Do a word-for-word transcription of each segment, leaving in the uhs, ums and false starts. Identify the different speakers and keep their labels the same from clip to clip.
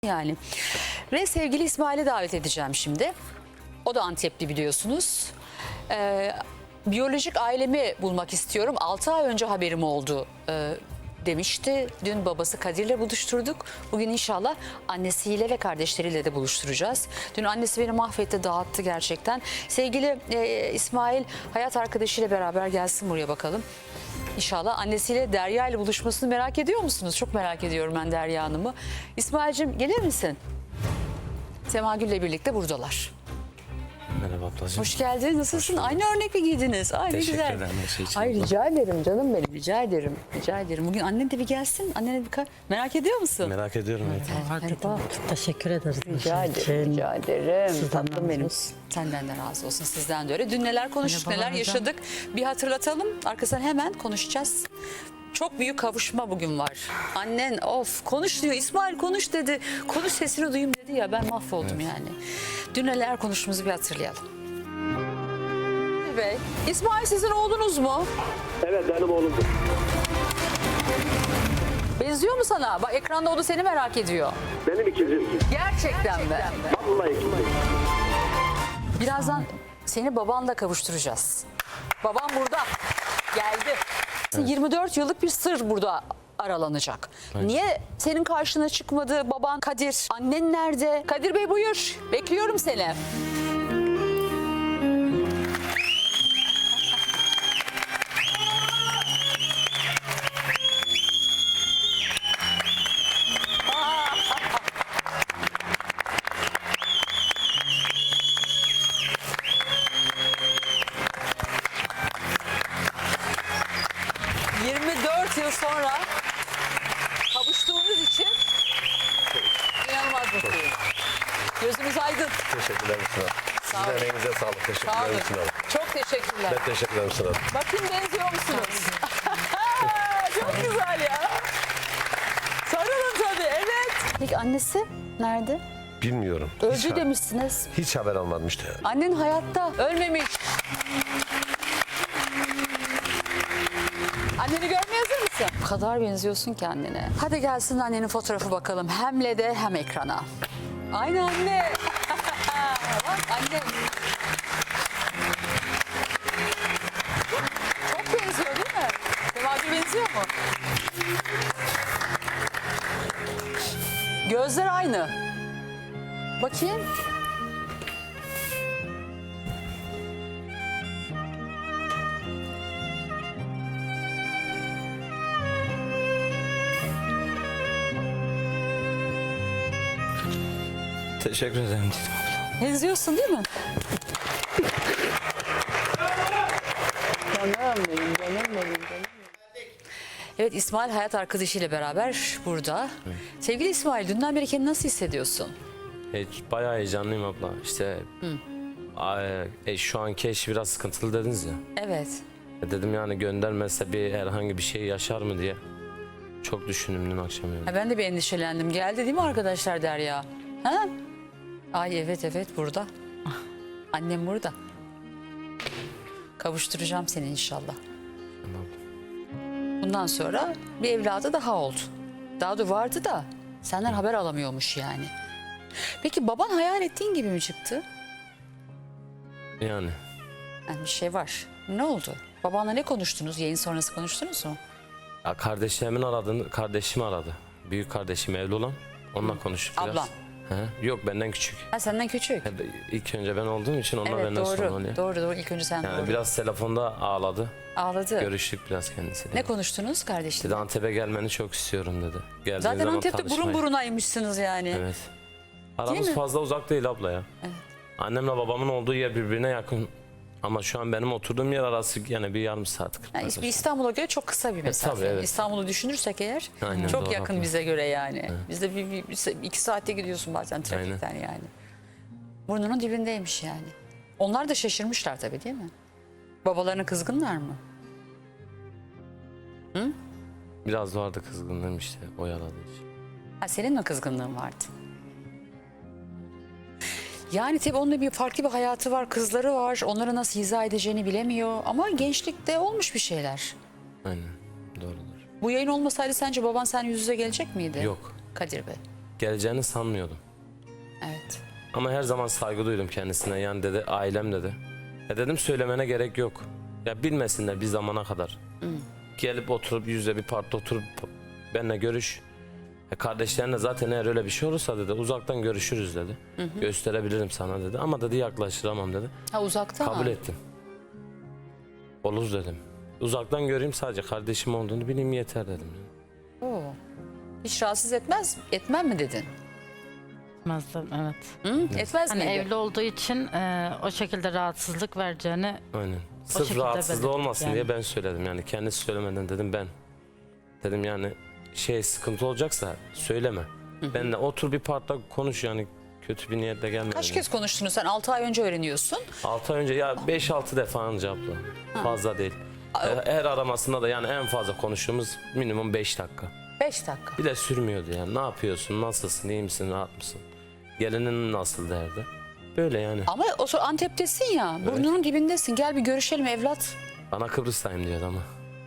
Speaker 1: Yani. Ve sevgili İsmail'i davet edeceğim şimdi. O da Antepli biliyorsunuz. Ee, biyolojik ailemi bulmak istiyorum. altı ay önce haberim oldu ee, demişti. Dün babası Kadir'le buluşturduk. Bugün inşallah annesiyle ve kardeşleriyle de buluşturacağız. Dün annesi beni mahvetti, dağıttı gerçekten. Sevgili e, İsmail hayat arkadaşıyla beraber gelsin buraya bakalım. İnşallah annesiyle Derya ile buluşmasını merak ediyor musunuz? Çok merak ediyorum ben Derya Hanım'ı. İsmail'cim gelir misin? Sema Gül'le birlikte buradalar.
Speaker 2: Merhaba ablacığım.
Speaker 1: Hoş geldin. Nasılsın? Aynı örnek mi giydiniz? Ay ne
Speaker 2: Teşekkür
Speaker 1: güzel.
Speaker 2: ederim her şey için.
Speaker 1: Ay
Speaker 2: abla.
Speaker 1: rica ederim canım benim. Rica ederim. Rica ederim. Bugün annen de bir gelsin. Annene bir ka- merak ediyor musun?
Speaker 2: Merak ediyorum. Evet.
Speaker 1: Merhaba.
Speaker 3: Teşekkür ederiz.
Speaker 1: Rica ederim. Rica ederim.
Speaker 3: Sizden
Speaker 1: Tatlım
Speaker 3: razı
Speaker 1: benim.
Speaker 3: olsun.
Speaker 1: Senden de razı olsun. Sizden de öyle. Dün neler konuştuk,
Speaker 3: Merhaba,
Speaker 1: neler
Speaker 3: hocam.
Speaker 1: yaşadık. Bir hatırlatalım. Arkasından hemen konuşacağız. Çok büyük kavuşma bugün var. Annen of konuş diyor. İsmail konuş dedi. Konuş sesini duyayım dedi ya. Ben mahvoldum
Speaker 2: Evet.
Speaker 1: yani. Dün neler konuştuğumuzu bir hatırlayalım. Bey, İsmail sizin oğlunuz mu?
Speaker 4: Evet benim oğlumdur.
Speaker 1: Benziyor mu sana? Bak ekranda o da seni merak ediyor.
Speaker 4: Benim ikizim.
Speaker 1: Gerçekten mi?
Speaker 4: Vallahi ikizim.
Speaker 1: Birazdan seni babanla kavuşturacağız. Babam burada. Geldi. yirmi dört yıllık bir sır burada aralanacak. Niye senin karşına çıkmadı baban Kadir? Annen nerede? Kadir Bey buyur. Bekliyorum seni. yirmi dört yıl sonra kavuştuğumuz için inanılmaz mutluyum. Gözümüz aydın.
Speaker 2: Teşekkürler Sıra.
Speaker 1: Sağ olun.
Speaker 2: Sizin emeğinize sağlık.
Speaker 1: Sağ
Speaker 2: Teşekkürler
Speaker 1: olun.
Speaker 2: Sıra.
Speaker 1: Çok teşekkürler.
Speaker 2: Ben teşekkür ederim Sıra.
Speaker 1: Bakın benziyor musunuz? Çok güzel ya. Sarılın tabii evet. Peki annesi nerede?
Speaker 2: Bilmiyorum.
Speaker 1: Öldü
Speaker 2: hiç, ha-
Speaker 1: demişsiniz.
Speaker 2: hiç haber almadım işte.
Speaker 1: Annen hayatta ölmemiş. Anneni görmeye hazır mısın? O kadar benziyorsun ki annene. Hadi gelsin annenin fotoğrafı bakalım. Hem L E D'e hem ekrana. Aynı anne. Bak anne. Çok benziyor değil mi? Devacı benziyor mu? Gözler aynı. Bakayım.
Speaker 2: Teşekkür ederim.
Speaker 1: Benziyorsun değil mi? Canım benim, canım benim, canım. Evet İsmail hayat arkadaşıyla beraber burada. Sevgili İsmail dünden beri kendini nasıl hissediyorsun?
Speaker 5: E, bayağı heyecanlıyım abla. İşte a- e, şu anki eş biraz sıkıntılı dediniz ya.
Speaker 1: Evet.
Speaker 5: E, dedim yani göndermezse bir herhangi bir şey yaşar mı diye. Çok düşündüm dün akşam yani.
Speaker 1: Ha, ben de bir endişelendim. Geldi değil mi arkadaşlar Derya? Ha? Ay evet evet burada. Annem burada. Kavuşturacağım seni inşallah.
Speaker 5: Tamam.
Speaker 1: Bundan sonra bir evladı daha oldu. Daha da vardı da senden haber alamıyormuş yani. Peki baban hayal ettiğin gibi mi çıktı?
Speaker 5: Yani
Speaker 1: Yani bir şey var. Ne oldu? Babanla ne konuştunuz? Yayın sonrası konuştunuz mu?
Speaker 5: ya kardeşlerimin aradığını kardeşim aradı. Büyük kardeşim evli olan. Onunla konuştuk biraz.
Speaker 1: Ablan.
Speaker 5: He? Yok benden küçük.
Speaker 1: Ha senden küçük.
Speaker 5: E, İlk önce ben olduğum için onlar
Speaker 1: Evet
Speaker 5: benden sonra
Speaker 1: doğru.
Speaker 5: oluyor.
Speaker 1: Doğru doğru. İlk önce sen
Speaker 5: Yani
Speaker 1: doğru.
Speaker 5: biraz telefonda ağladı.
Speaker 1: Ağladı.
Speaker 5: Görüştük biraz kendisiyle.
Speaker 1: Ne konuştunuz kardeşim?
Speaker 5: Dedi Antep'e gelmeni çok istiyorum dedi. Geldiğin
Speaker 1: Zaten
Speaker 5: zaman
Speaker 1: Antep'te burun
Speaker 5: tanışmayı.
Speaker 1: burunaymışsınız yani.
Speaker 5: Evet. Aramız
Speaker 1: mi?
Speaker 5: fazla uzak değil abla ya.
Speaker 1: Evet.
Speaker 5: Annemle babamın olduğu yer birbirine yakın. Ama şu an benim oturduğum yer arası yani bir yarım saat.
Speaker 1: Yani bir İstanbul'a göre çok kısa bir mesafe.
Speaker 5: tabii, evet.
Speaker 1: İstanbul'u düşünürsek eğer
Speaker 5: Aynen,
Speaker 1: çok
Speaker 5: doğru,
Speaker 1: yakın
Speaker 5: haklı.
Speaker 1: bize göre yani. Bizde bir, bir- bir- iki saatte gidiyorsun bazen trafikten yani. Burnunun dibindeymiş yani. Onlar da şaşırmışlar tabii değil mi? Babalarına kızgınlar mı?
Speaker 5: Biraz vardı kızgınlığım işte oyaladığı için.
Speaker 1: Ha, senin mi kızgınlığın vardı? Yani tabii onun bir farklı bir hayatı var, kızları var. Onları nasıl izah edeceğini bilemiyor. Ama gençlikte olmuş bir şeyler.
Speaker 5: Aynen, doğrudur.
Speaker 1: Bu yayın olmasaydı sence baban sen yüz yüze gelecek miydi?
Speaker 5: Yok.
Speaker 1: Kadir Bey.
Speaker 5: geleceğini sanmıyordum.
Speaker 1: Evet.
Speaker 5: Ama her zaman saygı duydum kendisine. Yani dedi ailem dedi. Ya dedim söylemene gerek yok. Ya bilmesinler bir zamana kadar. Gelip oturup yüzde bir parkta oturup benimle görüş. Ya kardeşlerine zaten eğer öyle bir şey olursa dedi uzaktan görüşürüz dedi. Gösterebilirim sana dedi. Ama dedi yaklaştıramam dedi.
Speaker 1: Ha uzaktan.
Speaker 5: Kabul ettim. Olur dedim. Uzaktan göreyim sadece kardeşim olduğunu bileyim yeter dedim.
Speaker 1: Oo. Hiç rahatsız etmez, etmem mi dedin?
Speaker 3: Etmezdim, evet.
Speaker 1: Hı? Etmez
Speaker 3: Hani
Speaker 1: miydi?
Speaker 3: evli olduğu için e, o şekilde rahatsızlık vereceğini
Speaker 5: Aynen. Sırf
Speaker 3: şekilde
Speaker 5: rahatsızlığı
Speaker 3: belirttik
Speaker 5: olmasın
Speaker 3: yani.
Speaker 5: diye ben söyledim. Yani kendisi söylemeden dedim ben. Dedim yani şey sıkıntı olacaksa söyleme. Benle otur bir parkta konuş yani kötü bir niyetle gelme.
Speaker 1: Kaç
Speaker 5: dedim.
Speaker 1: kez konuştunuz? Sen altı ay önce öğreniyorsun.
Speaker 5: altı ay önce ya beş altı defa cevapla. Fazla değil. Her, her aramasında da yani en fazla konuştuğumuz minimum beş dakika.
Speaker 1: Beş dakika.
Speaker 5: Bir de sürmüyordu yani. Ne yapıyorsun? Nasılsın? İyi misin? Rahat mısın? Gelinin nasıl derdi. Böyle yani.
Speaker 1: Ama o sonra Antep'tesin ya. Burnunun dibindesin. Gel bir görüşelim evlat.
Speaker 5: Bana Kıbrıs'tayım diyordu ama.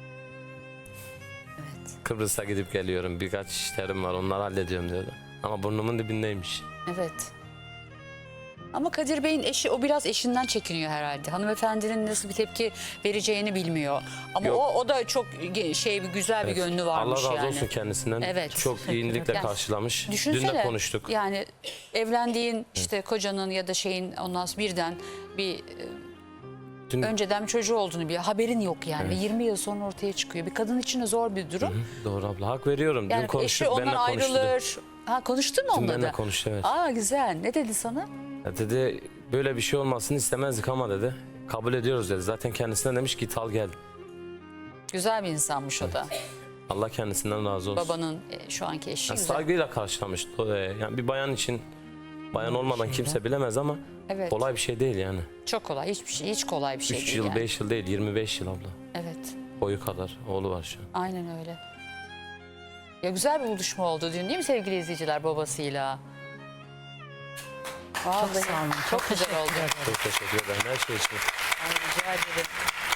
Speaker 1: Evet.
Speaker 5: Kıbrıs'a gidip geliyorum. Birkaç işlerim var. Onları hallediyorum diyordu. Ama burnumun dibindeymiş.
Speaker 1: Evet. Ama Kadir Bey'in eşi o biraz eşinden çekiniyor herhalde. Hanımefendinin nasıl bir tepki vereceğini bilmiyor. Ama
Speaker 5: Yok.
Speaker 1: o o da çok ge- şey bir güzel bir gönlü varmış
Speaker 5: Allah razı
Speaker 1: yani.
Speaker 5: olsun kendisinden.
Speaker 1: Evet.
Speaker 5: Çok iyilikle
Speaker 1: Yani
Speaker 5: karşılamış. Dün
Speaker 1: Düşünsene.
Speaker 5: de konuştuk.
Speaker 1: Yani evlendiğin işte kocanın ya da şeyin ondan sonra birden bir e,
Speaker 5: Dün,
Speaker 1: önceden bir çocuğu olduğunu bir haberin yok yani. Ve yirmi yıl sonra ortaya çıkıyor. Bir kadın için de zor bir durum.
Speaker 5: Hı, doğru abla. Hak veriyorum.
Speaker 1: Yani
Speaker 5: Dün konuştuk.
Speaker 1: eşi ondan
Speaker 5: Benimle konuştu.
Speaker 1: ayrılır. Ha konuştun mu
Speaker 5: Dün
Speaker 1: onunla
Speaker 5: benimle
Speaker 1: da?
Speaker 5: konuştu evet.
Speaker 1: Aa güzel. Ne dedi sana?
Speaker 5: Ya dedi böyle bir şey olmasını istemezdik ama dedi. Kabul ediyoruz dedi. Zaten kendisine demiş git al gel.
Speaker 1: Güzel bir insanmış o da.
Speaker 5: Allah kendisinden razı olsun.
Speaker 1: Babanın e, şu anki eşi
Speaker 5: Yani
Speaker 1: güzel.
Speaker 5: saygıyla karşılamış. O, e, Yani bir bayan için bayan olmadan kimse bilemez ama
Speaker 1: Evet.
Speaker 5: kolay bir şey değil yani.
Speaker 1: Çok kolay. Hiçbir şey, hiç kolay bir şey
Speaker 5: üç
Speaker 1: değil
Speaker 5: yıl,
Speaker 1: yani.
Speaker 5: beş yıl değil, yirmi beş yıl abla.
Speaker 1: Evet.
Speaker 5: Boyu kadar oğlu var şu an.
Speaker 1: Aynen öyle. Ya güzel bir buluşma oldu dün değil mi sevgili izleyiciler babasıyla? Vallahi
Speaker 3: çok sağ olun.
Speaker 1: Çok,
Speaker 3: Çok
Speaker 1: güzel
Speaker 3: teşekkür
Speaker 1: oldu.
Speaker 3: ederim.
Speaker 5: Çok teşekkür ederim her şey için.
Speaker 1: Ay, rica ederim.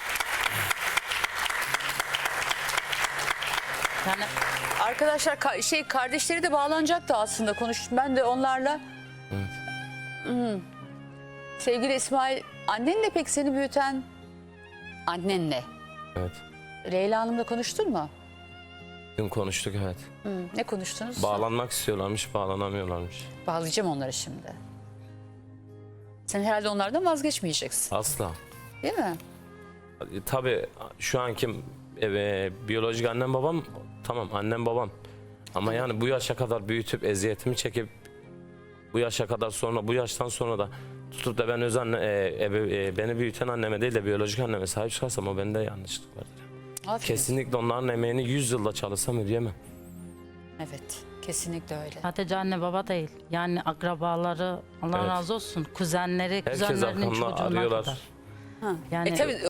Speaker 3: Yani
Speaker 1: Arkadaşlar ka- şey kardeşleri de bağlanacaktı aslında konuştum. Ben de onlarla.
Speaker 5: Evet.
Speaker 1: Hmm. Sevgili İsmail, annenle pek seni büyüten annenle.
Speaker 5: Evet.
Speaker 1: Leyla Hanım'la konuştun mu?
Speaker 5: Dün konuştuk evet.
Speaker 1: Hı, ne konuştunuz?
Speaker 5: Bağlanmak istiyorlarmış, bağlanamıyorlarmış.
Speaker 1: Bağlayacağım onları şimdi. Sen herhalde onlardan vazgeçmeyeceksin.
Speaker 5: Asla.
Speaker 1: Değil mi?
Speaker 5: E, Tabii şu anki e, biyolojik annem babam tamam annem babam. Ama yani bu yaşa kadar büyütüp eziyetimi çekip bu yaşa kadar sonra bu yaştan sonra da tutup da ben öz anne e, ebe- e, beni büyüten anneme değil de biyolojik anneme sahip çıkarsam o bende yanlışlık vardır.
Speaker 1: Aferin.
Speaker 5: Kesinlikle onların emeğini yüz yılda çalışsam ödeyemem.
Speaker 1: Evet, kesinlikle öyle.
Speaker 3: sadece anne baba değil. Yani akrabaları Allah
Speaker 5: Evet.
Speaker 3: razı olsun. Kuzenleri,
Speaker 5: Herkes
Speaker 3: kuzenlerinin
Speaker 5: arkamda
Speaker 3: çocuğuna
Speaker 5: arıyorlar.
Speaker 3: kadar.
Speaker 1: Ha.
Speaker 3: Yani
Speaker 1: e tabii